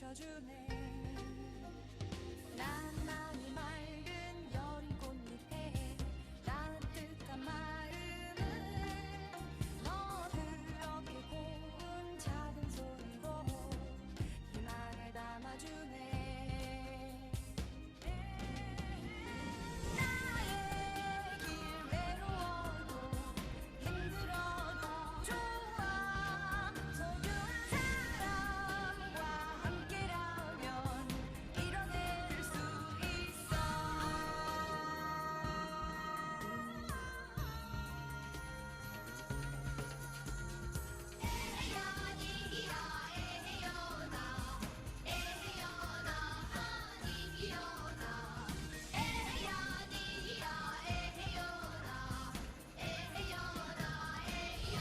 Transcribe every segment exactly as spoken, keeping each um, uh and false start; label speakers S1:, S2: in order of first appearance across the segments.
S1: 비춰주네 나만이 맑은 여린 꽃잎에 따뜻한 마음을 너 그렇게 고운 작은 손으로 희망을 담아주네 나의 길 외로워도 힘들어도 좋아 소중한 사람과 함께라면 이뤄낼 수 있어 에헤연이야 에헤연아 에헤연아 아니기연아 에헤연이야 에헤연아 에헤연아 에헤연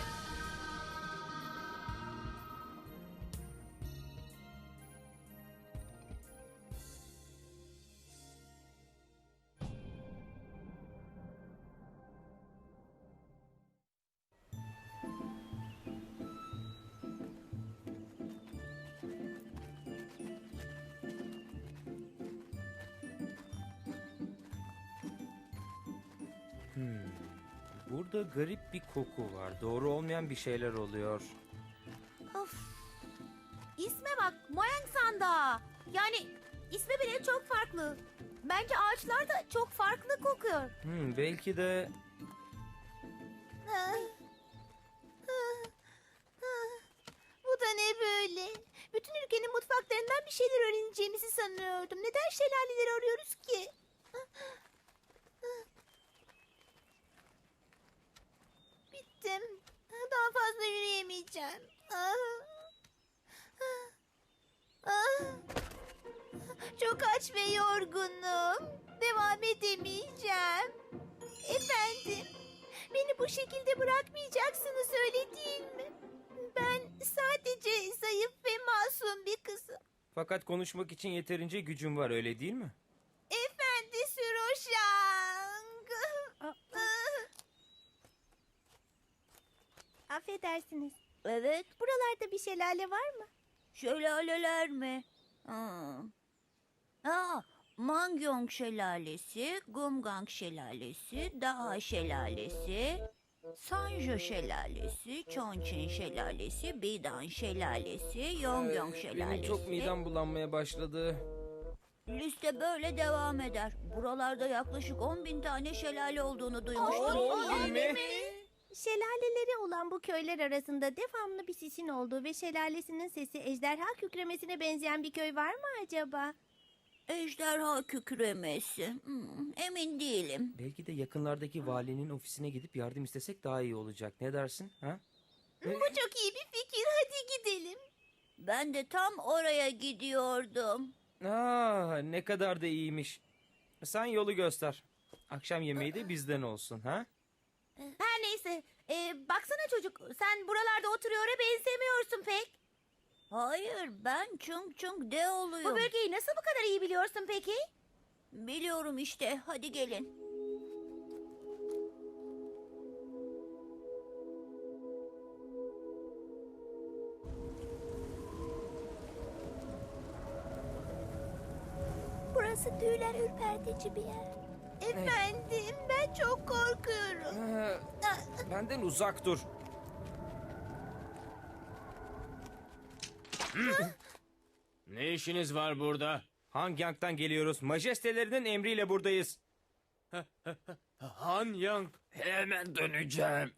S2: Hmm. Burada garip bir koku var. Doğru olmayan bir şeyler oluyor.
S3: Of. İsme bak, Moyang Sanda. Yani ismi bile çok farklı. Bence ağaçlar da çok farklı kokuyor.
S2: Hmm, belki de
S3: Bu da ne böyle? Bütün ülkenin mutfaklarından bir şeyler öğreneceğimizi sanıyordum. Neden şelaleleri arıyoruz ki? Bittim. Daha fazla yürüyemeyeceğim. Ah. Ah. Çok aç ve yorgunum. Devam edemeyeceğim. Efendim, beni bu şekilde bırakmayacaksınız öyle değil mi? Ben sadece zayıf ve masum bir kızım.
S2: fakat konuşmak için yeterince gücüm var, öyle değil mi?
S3: Efendi Süroşang. Affedersiniz. Evet. Buralarda bir şelale var mı?
S4: Şelaleler mi? Ha. Ha, Mangyong Şelalesi, Gumgang Şelalesi, Daha Şelalesi, Sanjo Şelalesi, Chongqing Şelalesi, Bidan Şelalesi, Yongyong
S2: Ee,
S4: Şelalesi.
S2: Benim çok midem bulanmaya başladı.
S4: Liste böyle devam eder. Buralarda yaklaşık on bin tane şelale olduğunu duymuştum.
S2: on bin mi?
S3: Şelaleleri olan bu köyler arasında devamlı bir sisin olduğu ve şelalesinin sesi ejderha kükremesine benzeyen bir köy var mı acaba?
S4: Ejderha kükremesi. Hmm, emin değilim.
S2: Belki de yakınlardaki valinin ofisine gidip yardım istesek daha iyi olacak. Ne dersin? Ha?
S3: Bu çok iyi bir fikir. Hadi gidelim.
S4: Ben de tam oraya gidiyordum.
S2: Aa, ne kadar da iyiymiş. Sen yolu göster. Akşam yemeği de bizden olsun, ha?
S3: Her neyse. Ee, baksana çocuk. Sen buralarda oturuyora benzemiyorsun pek.
S4: Hayır, ben Chung Chung de
S3: Bu
S4: oluyorum.
S3: bölgeyi nasıl bu kadar iyi biliyorsun peki?
S4: Biliyorum işte. Hadi gelin.
S3: Burası tüyler ürpertici bir yer. Efendim, ben çok korkuyorum.
S2: Ee, benden uzak dur.
S5: Ne işiniz var burada?
S2: Hangyang'dan geliyoruz. Majestelerinin emriyle buradayız.
S5: Han Yang. Hemen döneceğim.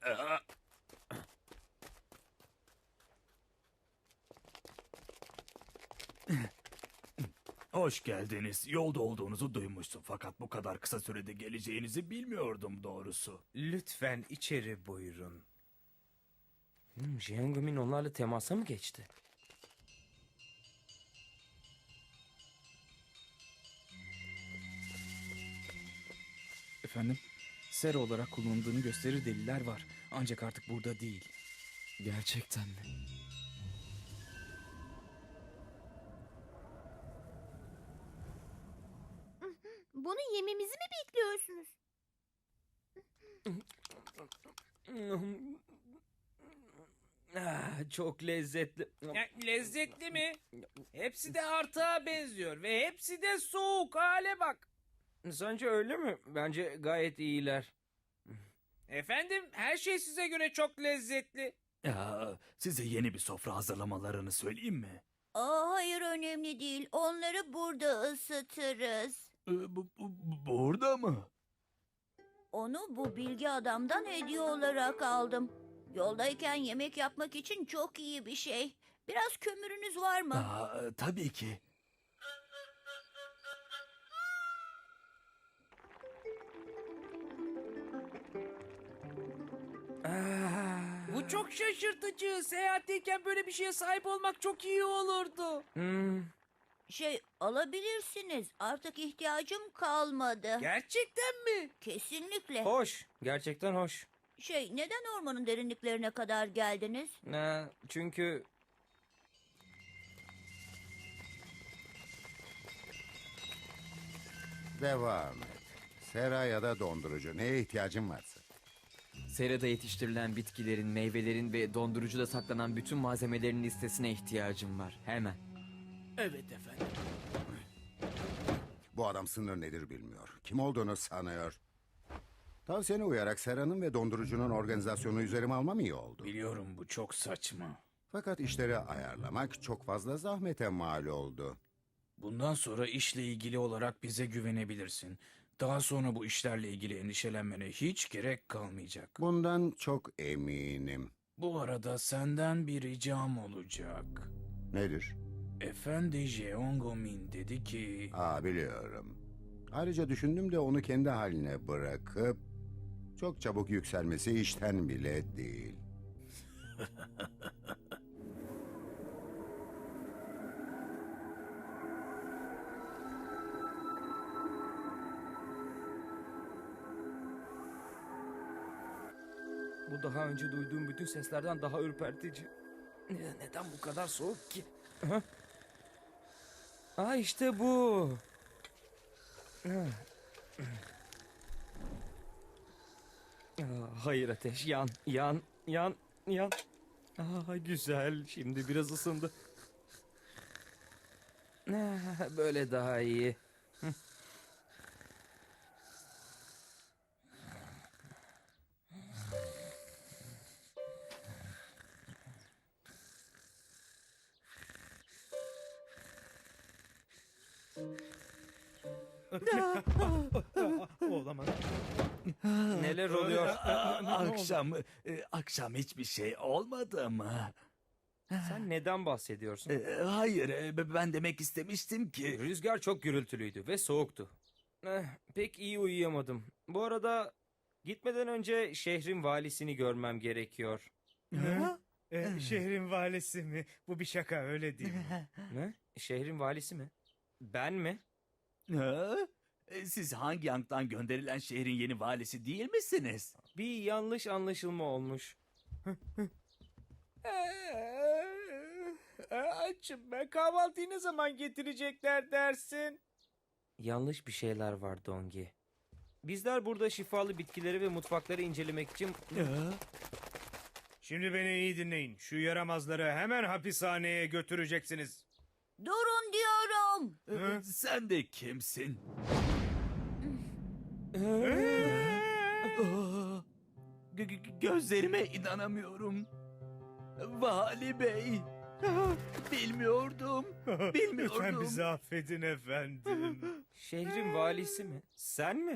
S6: Hoş geldiniz. Yolda olduğunuzu duymuştum fakat bu kadar kısa sürede geleceğinizi bilmiyordum doğrusu.
S2: Lütfen içeri buyurun. Hmm, Jiangmin onlarla temasa mı geçti?
S7: Efendim, sera olarak kullanıldığını gösterir deliller var. Ancak artık burada değil. Gerçekten mi?
S3: Bunu yememizi mi bekliyorsunuz?
S2: Ah, çok lezzetli.
S8: Ya, lezzetli mi? Hepsi de artığa benziyor ve hepsi de soğuk. Hale bak.
S2: Sence öyle mi? Bence gayet iyiler.
S8: Efendim, her şey size göre çok lezzetli.
S6: Ya, size yeni bir sofra hazırlamalarını söyleyeyim mi?
S4: Aa, hayır önemli değil. Onları burada ısıtırız.
S6: Ee, bu, bu- burada mı?
S4: Onu bu bilgi adamdan hediye olarak aldım. Yoldayken yemek yapmak için çok iyi bir şey. Biraz kömürünüz var mı?
S6: Aa, tabii ki.
S2: Ah.
S8: Bu çok şaşırtıcı. Seyahatteyken böyle bir şeye sahip olmak çok iyi olurdu.
S2: Hmm.
S4: Şey alabilirsiniz. Artık ihtiyacım kalmadı.
S8: Gerçekten mi?
S4: Kesinlikle.
S2: Hoş. Gerçekten hoş.
S4: Şey neden ormanın derinliklerine kadar geldiniz?
S2: Ha, çünkü
S9: Devam et. Sera ya da dondurucu. Neye ihtiyacın varsa.
S7: Serada yetiştirilen bitkilerin, meyvelerin ve dondurucuda saklanan bütün malzemelerin listesine ihtiyacım var. Hemen.
S6: Evet efendim.
S9: Bu adam sınır nedir bilmiyor. Kim olduğunu sanıyor. Tavsiyene uyarak Sera'nın ve dondurucunun organizasyonu üzerime almam iyi oldu.
S6: Biliyorum bu çok saçma.
S9: Fakat işleri ayarlamak çok fazla zahmete mal oldu.
S6: Bundan sonra işle ilgili olarak bize güvenebilirsin. Daha sonra bu işlerle ilgili endişelenmene hiç gerek kalmayacak.
S9: Bundan çok eminim.
S6: Bu arada senden bir ricam olacak.
S9: Nedir?
S6: Efendi Jeongomin dedi ki...
S9: Aa, biliyorum. Ayrıca düşündüm de onu kendi haline bırakıp... çok çabuk yükselmesi işten bile değil.
S2: bu daha önce duyduğum bütün seslerden daha ürpertici. Ne- Neden bu kadar soğuk ki? Aha. Aa, işte bu. Ah. Aa, hayır ateş, yan, yan, yan, yan. Aa, güzel, şimdi biraz ısındı. Ah, böyle daha iyi.
S6: Olamaz.
S2: Neler oluyor?
S6: akşam, e, akşam hiçbir şey olmadı mı?
S2: Sen neden bahsediyorsun?
S6: E, hayır, e, ben demek istemiştim ki...
S2: Rüzgar çok gürültülüydü ve soğuktu. Eh, pek iyi uyuyamadım. Bu arada gitmeden önce şehrin valisini görmem gerekiyor.
S10: E, şehrin valisi mi? Bu bir şaka öyle değil mi?
S2: Ne? Şehrin valisi mi? Ben mi?
S6: Ha? E, Siz Hangi Yang'dan gönderilen şehrin yeni valisi değil misiniz?
S2: Bir yanlış anlaşılma olmuş.
S8: Ee, açım ben. Kahvaltıyı ne zaman getirecekler dersin?
S2: Yanlış bir şeyler var Dongi. Bizler burada şifalı bitkileri ve mutfakları incelemek için...
S10: Şimdi beni iyi dinleyin. Şu yaramazları hemen hapishaneye götüreceksiniz.
S4: Durun diyorum.
S6: E, Sen de kimsin? Aa, gö- gö- Gözlerime inanamıyorum. Vali Bey. Bilmiyordum. Bilmiyordum.
S10: Lütfen bizi affedin efendim.
S2: Şehrin valisi mi? Sen mi?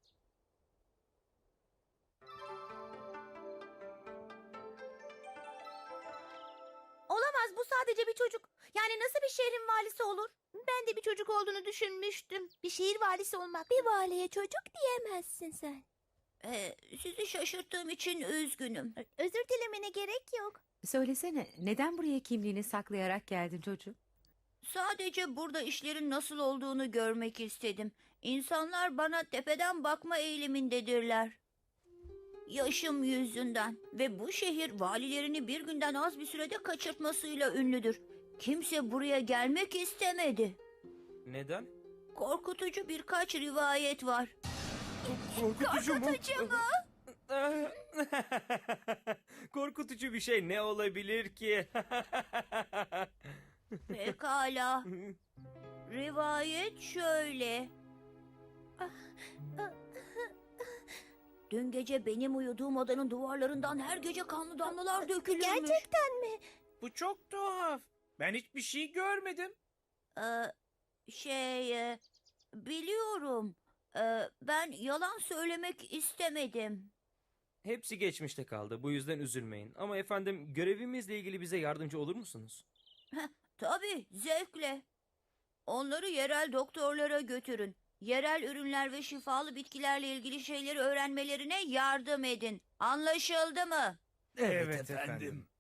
S3: Olamaz, bu sadece bir çocuk. Yani nasıl bir şehrin valisi olur? Ben de bir çocuk olduğunu düşünmüştüm. Bir şehir valisi olmak. Bir valiye çocuk diyemezsin sen.
S4: Ee, sizi şaşırttığım için üzgünüm.
S3: Özür dilemene gerek yok.
S11: Söylesene, neden buraya kimliğini saklayarak geldin çocuğum?
S4: Sadece burada işlerin nasıl olduğunu görmek istedim. İnsanlar bana tepeden bakma eğilimindedirler. Yaşım yüzünden ve bu şehir valilerini bir günden az bir sürede kaçırtmasıyla ünlüdür. Kimse buraya gelmek istemedi.
S2: Neden?
S4: Korkutucu birkaç rivayet var.
S2: Korkutucu mu? Korkutucu mu? korkutucu bir şey ne olabilir ki?
S4: Pekala. Rivayet şöyle. Dün gece benim uyuduğum odanın duvarlarından her gece kanlı damlalar dökülürmüş.
S3: Gerçekten mi?
S8: Bu çok tuhaf. Ben hiçbir şey görmedim.
S4: Ee, şey, e, biliyorum. Ee, ben yalan söylemek istemedim.
S2: Hepsi geçmişte kaldı. Bu yüzden üzülmeyin. Ama efendim görevimizle ilgili bize yardımcı olur musunuz?
S4: Tabii, zevkle. Onları yerel doktorlara götürün. Yerel ürünler ve şifalı bitkilerle ilgili şeyleri öğrenmelerine yardım edin. Anlaşıldı mı?
S10: Evet, efendim.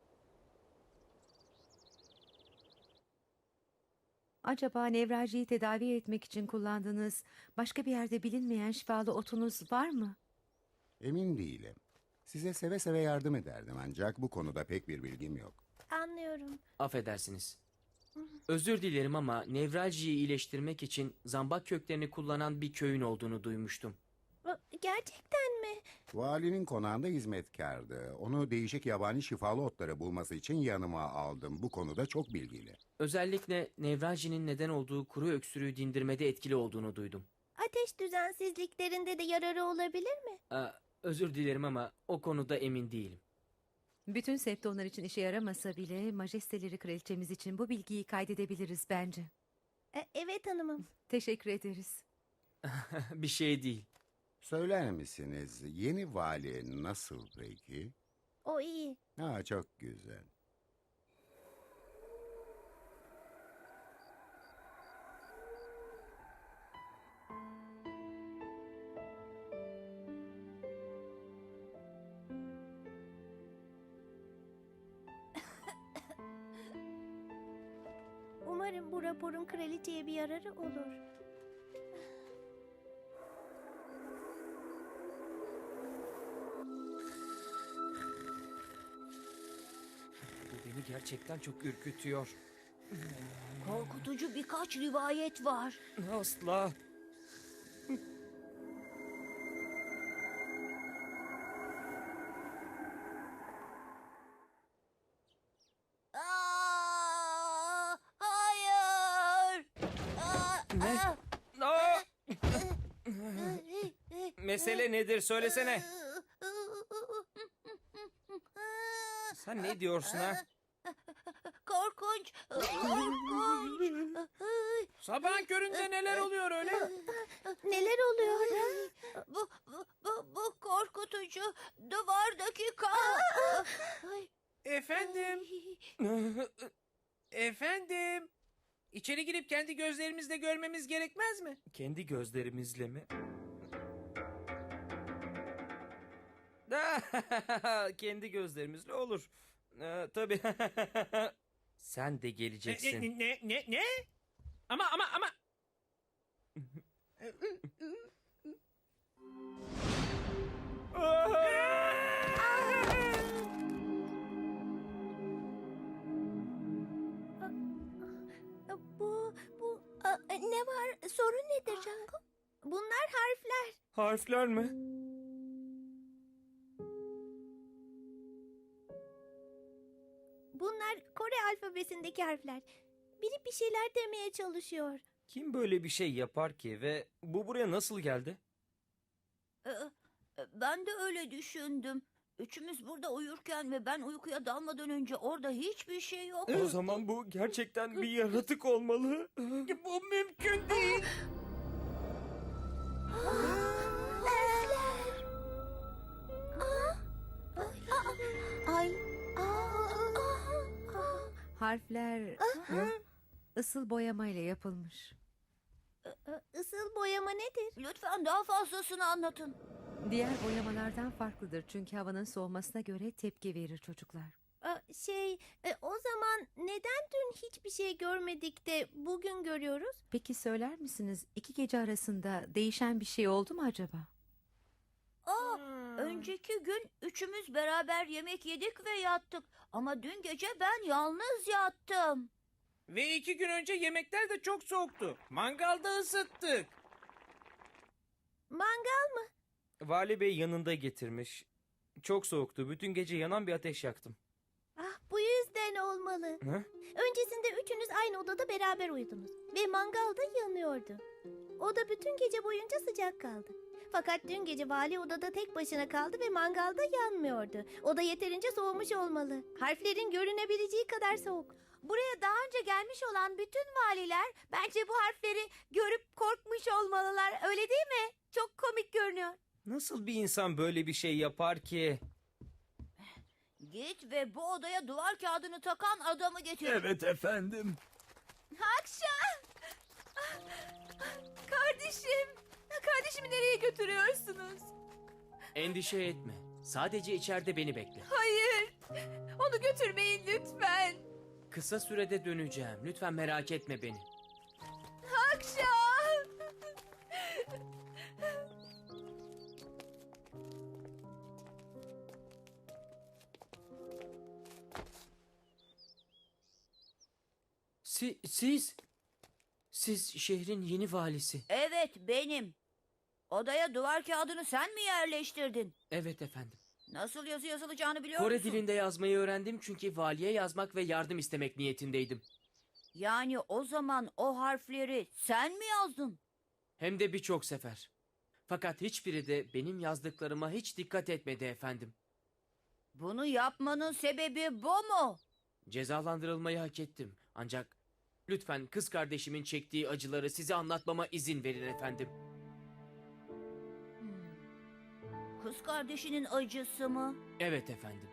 S11: Acaba nevraljiyi tedavi etmek için kullandığınız başka bir yerde bilinmeyen şifalı otunuz var mı?
S9: Emin değilim. Size seve seve yardım ederdim ancak bu konuda pek bir bilgim yok.
S3: Anlıyorum.
S7: Affedersiniz. Özür dilerim ama nevraljiyi iyileştirmek için zambak köklerini kullanan bir köyün olduğunu duymuştum.
S3: Gerçekten mi?
S9: Valinin konağında hizmetkardı. Onu değişik yabani şifalı otları bulması için yanıma aldım. Bu konuda çok bilgili.
S7: Özellikle nevraljinin neden olduğu kuru öksürüğü dindirmede etkili olduğunu duydum.
S3: Ateş düzensizliklerinde de yararı olabilir mi?
S7: Aa, özür dilerim ama o konuda emin değilim.
S11: Bütün septonlar için işe yaramasa bile majesteleri kraliçemiz için bu bilgiyi kaydedebiliriz bence.
S3: E, evet hanımım.
S11: Teşekkür ederiz.
S7: Bir şey değil.
S9: Söyler misiniz yeni vali nasıl peki?
S3: O iyi.
S9: Ha, çok güzel.
S3: Umarım bu raporun kraliçeye bir yararı olur.
S2: Bu beni gerçekten çok ürkütüyor.
S4: Korkutucu birkaç rivayet var.
S2: Asla.
S4: Aa, hayır. Aa,
S2: Ne?
S4: aa.
S2: Aa! Mesele nedir söylesene. Sen ne diyorsun ha?
S4: Korkunç. Korkunç.
S8: Sabahın köründe neler oluyor öyle?
S3: Neler oluyor?
S4: Bu, bu, bu, bu korkutucu. Duvardaki kan. Ay.
S8: Efendim, efendim. İçeri girip kendi gözlerimizle görmemiz gerekmez mi?
S2: Kendi gözlerimizle mi? Kendi gözlerimizle olur. Ee, tabii. Sen de
S8: Ne,
S2: geleceksin.
S8: ne, ne, ne, ne? Ama, ama, ama.
S3: Bu, bu, a, ne var? Sorun nedir Django? Bunlar harfler.
S2: Harfler mi?
S3: Bunlar Kore alfabesindeki harfler. Biri bir şeyler demeye çalışıyor.
S2: Kim böyle bir şey yapar ki ve bu buraya nasıl geldi?
S4: Ee, Ben de öyle düşündüm. Üçümüz burada uyurken ve ben uykuya dalmadan önce orada hiçbir şey yok.
S2: O zaman bu gerçekten bir yaratık olmalı.
S8: Bu mümkün değil.
S3: Ay. Aa,
S11: Harfler ısıl boyamayla yapılmış.
S3: Isıl boyama nedir?
S4: Lütfen daha fazlasını anlatın.
S11: Diğer boyamalardan farklıdır çünkü havanın soğumasına göre tepki verir çocuklar.
S3: Aa, Şey, e, o zaman neden dün hiçbir şey görmedik de bugün görüyoruz?
S11: Peki söyler misiniz iki gece arasında değişen bir şey oldu mu acaba?
S4: Aa,
S8: Hmm.
S4: önceki gün üçümüz beraber yemek yedik ve yattık. Ama dün gece ben yalnız yattım.
S8: Ve iki gün önce yemekler de çok soğuktu. Mangalda ısıttık.
S3: Mangal mı?
S2: Vali Bey yanında getirmiş. Çok soğuktu. Bütün gece yanan bir ateş yaktım.
S3: Ah, bu yüzden olmalı.
S2: Ha?
S3: Öncesinde üçünüz aynı odada beraber uyudunuz. Ve mangal da yanıyordu. Oda bütün gece boyunca sıcak kaldı. Fakat dün gece vali odada tek başına kaldı ve mangalda yanmıyordu. Oda yeterince soğumuş olmalı. Harflerin görünebileceği kadar soğuk. Buraya daha önce gelmiş olan bütün valiler bence bu harfleri görüp korkmuş olmalılar. Öyle değil mi? Çok komik görünüyor.
S2: Nasıl bir insan böyle bir şey yapar ki?
S4: Git ve bu odaya duvar kağıdını takan adamı getir.
S6: Evet efendim.
S3: Akşam! Kardeşim! Kardeşimi nereye götürüyorsunuz?
S5: Endişe etme. Sadece içeride beni bekle.
S3: Hayır! Onu götürmeyin lütfen.
S5: Kısa sürede döneceğim. Lütfen merak etme beni.
S3: Akşam!
S5: Si siz... Siz şehrin yeni valisi.
S4: Evet, benim. Odaya duvar kağıdını sen mi yerleştirdin?
S5: Evet efendim.
S4: Nasıl yazı yazılacağını biliyor
S5: Kore
S4: musun?
S5: dilinde yazmayı öğrendim çünkü valiye yazmak ve yardım istemek niyetindeydim.
S4: Yani o zaman o harfleri sen mi yazdın?
S5: Hem de birçok sefer. Fakat hiçbiri de benim yazdıklarıma hiç dikkat etmedi efendim.
S4: Bunu yapmanın sebebi bu mu?
S5: Cezalandırılmayı hak ettim. Ancak lütfen kız kardeşimin çektiği acıları size anlatmama izin verin efendim.
S4: Hmm. Kız kardeşinin acısı mı?
S5: Evet efendim.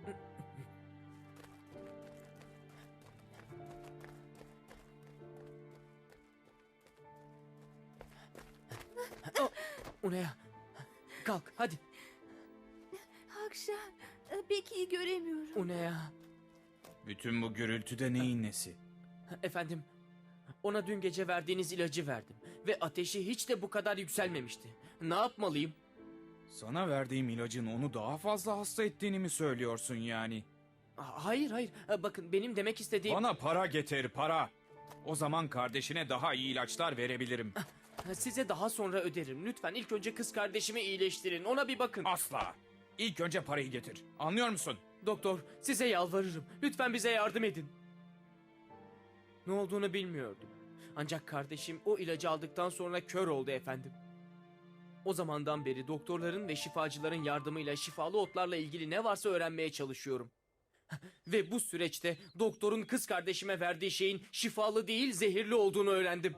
S5: Oh, Unea, kalk hadi.
S3: Akşam, pek iyi göremiyorum.
S5: Unea.
S6: Bütün bu gürültüde neyin nesi?
S5: Efendim, ona dün gece verdiğiniz ilacı verdim ve ateşi hiç de bu kadar yükselmemişti. Ne yapmalıyım?
S6: Sana verdiğim ilacın onu daha fazla hasta ettiğini mi söylüyorsun yani?
S5: Hayır hayır, bakın benim demek istediğim...
S6: Bana para getir, para. O zaman kardeşine daha iyi ilaçlar verebilirim.
S5: Size daha sonra öderim. Lütfen ilk önce kız kardeşimi iyileştirin. Ona bir bakın.
S6: Asla. İlk önce parayı getir. Anlıyor musun?
S5: Doktor, size yalvarırım. Lütfen bize yardım edin. Ne olduğunu bilmiyordum. Ancak kardeşim o ilacı aldıktan sonra kör oldu efendim. O zamandan beri doktorların ve şifacıların yardımıyla şifalı otlarla ilgili ne varsa öğrenmeye çalışıyorum. Ve bu süreçte doktorun kız kardeşime verdiği şeyin şifalı değil zehirli olduğunu öğrendim.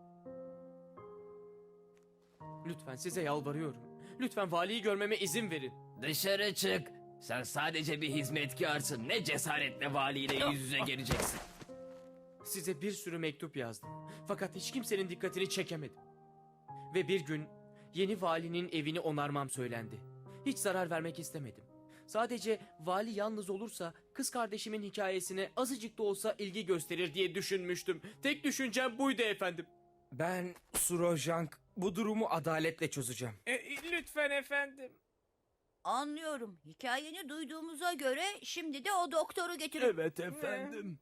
S5: Lütfen size yalvarıyorum. Lütfen valiyi görmeme izin verin.
S12: Dışarı çık. Sen sadece bir hizmetkarsın. Ne cesaretle valiyle yüz yüze geleceksin.
S5: Size bir sürü mektup yazdım. Fakat hiç kimsenin dikkatini çekemedim. Ve bir gün yeni valinin evini onarmam söylendi. Hiç zarar vermek istemedim. Sadece vali yalnız olursa kız kardeşimin hikayesine azıcık da olsa ilgi gösterir diye düşünmüştüm. Tek düşüncem buydu efendim.
S2: Ben Surojank bu durumu adaletle çözeceğim.
S8: E, lütfen efendim.
S4: Anlıyorum. Hikayeni duyduğumuza göre şimdi de o doktoru getirin.
S6: Evet efendim.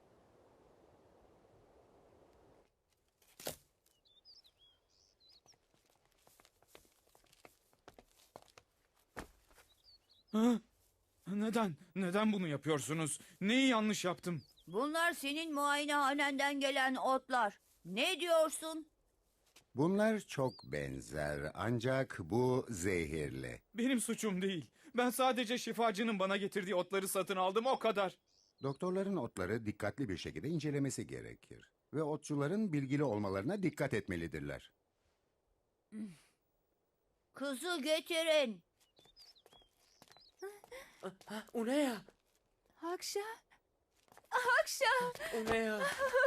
S6: Ha? Neden? Neden bunu yapıyorsunuz? Neyi yanlış yaptım?
S4: Bunlar senin muayenehanenden gelen otlar. Ne diyorsun?
S9: Bunlar çok benzer ancak bu zehirli.
S6: Benim suçum değil. Ben sadece şifacının bana getirdiği otları satın aldım, o kadar.
S9: Doktorların otları dikkatli bir şekilde incelemesi gerekir. Ve otçuların bilgili olmalarına dikkat etmelidirler.
S4: Kızı getirin.
S5: Unea,
S3: Akşam, akşam.
S5: Unea.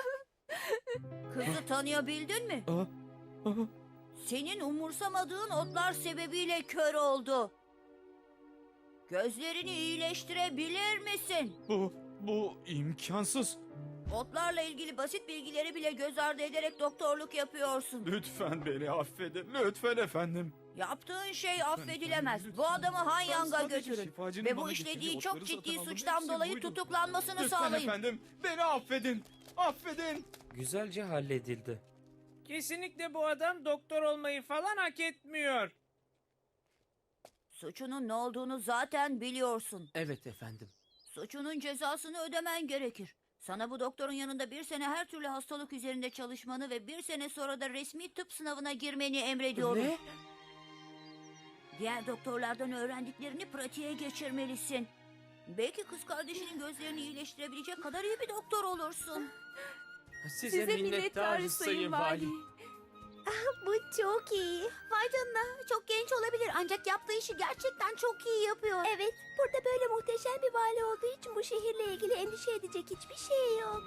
S4: Kızı tanıyabildin mi?
S6: Aa, aa.
S4: Senin umursamadığın otlar sebebiyle kör oldu. Gözlerini iyileştirebilir misin?
S6: Bu, bu imkansız.
S4: Otlarla ilgili basit bilgileri bile göz ardı ederek doktorluk yapıyorsun.
S6: Lütfen beni affedin, lütfen efendim.
S4: Yaptığın şey affedilemez. Bu adamı Han
S6: Ben
S4: Yang'a
S6: sadece
S4: götürün.
S6: şifacının
S4: Ve bu
S6: bana
S4: işlediği
S6: getirdiği
S4: çok
S6: otları
S4: ciddi
S6: satın aldım.
S4: suçtan
S6: Hepsi
S4: dolayı
S6: buydu.
S4: tutuklanmasını
S6: Lütfen
S4: sağlayın.
S6: efendim, beni affedin. Affedin.
S2: Güzelce halledildi.
S8: Kesinlikle bu adam doktor olmayı falan hak etmiyor.
S4: Suçunun ne olduğunu zaten biliyorsun.
S5: Evet efendim.
S4: Suçunun cezasını ödemen gerekir. Sana bu doktorun yanında bir sene her türlü hastalık üzerinde çalışmanı ve bir sene sonra da resmi tıp sınavına girmeni emrediyorum.
S5: Ne?
S4: Diğer doktorlardan öğrendiklerini pratiğe geçirmelisin. Belki kız kardeşinin gözlerini iyileştirebilecek kadar iyi bir doktor olursun.
S5: Size, minnettarız Sayın Vali.
S3: Bu çok iyi. Vay canına, çok genç olabilir ancak yaptığı işi gerçekten çok iyi yapıyor. Evet, burada böyle muhteşem bir vali olduğu için bu şehirle ilgili endişe edecek hiçbir şey yok.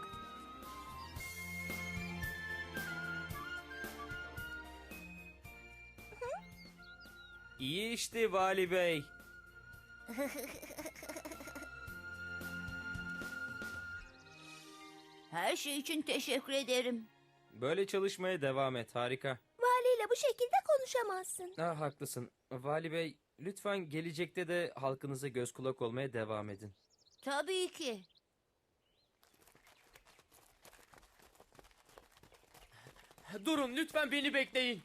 S2: İyi işte Vali Bey.
S4: Her şey için teşekkür ederim.
S2: Böyle çalışmaya devam et. Harika.
S3: Valiyle bu şekilde konuşamazsın.
S2: Ah, haklısın. Vali Bey, lütfen gelecekte de halkınıza göz kulak olmaya devam edin.
S4: Tabii ki.
S5: Durun lütfen beni bekleyin.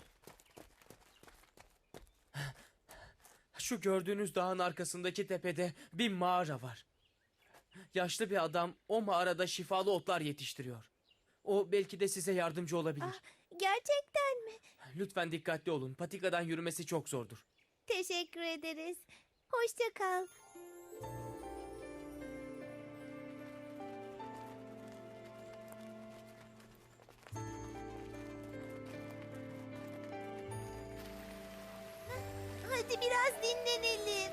S5: Şu gördüğünüz dağın arkasındaki tepede bir mağara var. Yaşlı bir adam o mağarada şifalı otlar yetiştiriyor. O belki de size yardımcı olabilir.
S3: Gerçekten mi?
S5: Lütfen dikkatli olun. Patikadan yürümesi çok zordur.
S3: Teşekkür ederiz. Hoşça kal. Hadi biraz dinlenelim.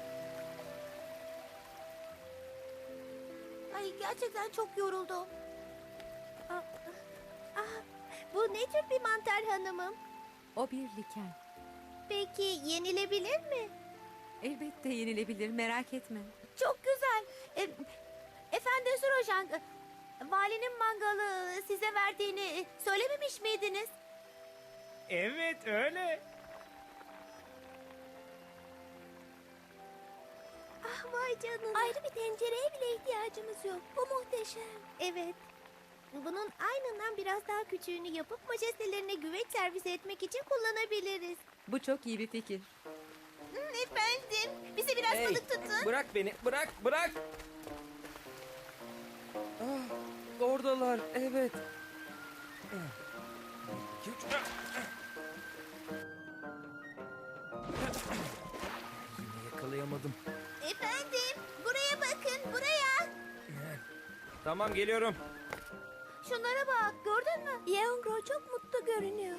S3: Ay gerçekten çok yoruldum. Ah, ah, bu ne tür bir mantar hanımım?
S11: O bir liken.
S3: Peki yenilebilir mi?
S11: Elbette yenilebilir, merak etme.
S3: Çok güzel. E, Efendi Surojan, e, valinin mangalı size verdiğini söylememiş miydiniz?
S10: Evet öyle.
S3: Ah vay canına. Ayrı bir tencereye bile ihtiyacımız yok. Bu muhteşem. Evet. Bunun aynından biraz daha küçüğünü yapıp majestelerine güveç servis etmek için kullanabiliriz.
S11: Bu çok iyi bir fikir.
S3: Efendim, bize biraz
S2: Hey,
S3: balık tutun.
S2: bırak beni, bırak, bırak. Ah, oradalar, evet. Yine yakalayamadım.
S3: Efendim, buraya bakın, buraya.
S2: Tamam, geliyorum.
S3: Şunlara bak, gördün mü? Yeongro çok mutlu görünüyor.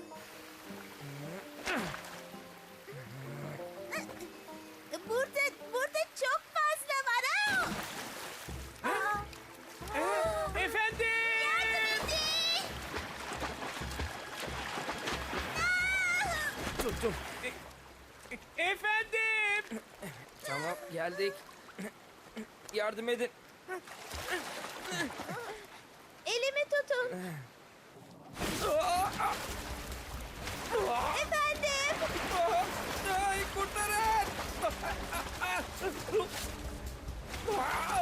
S3: Burada, burada çok fazla var. Aa! Aa!
S10: Efendim!
S2: Tuttum.
S10: Efendim!
S2: Tamam, geldik. Yardım edin.
S3: Elimi tutun. Efendim.
S2: Ay, kurtarın.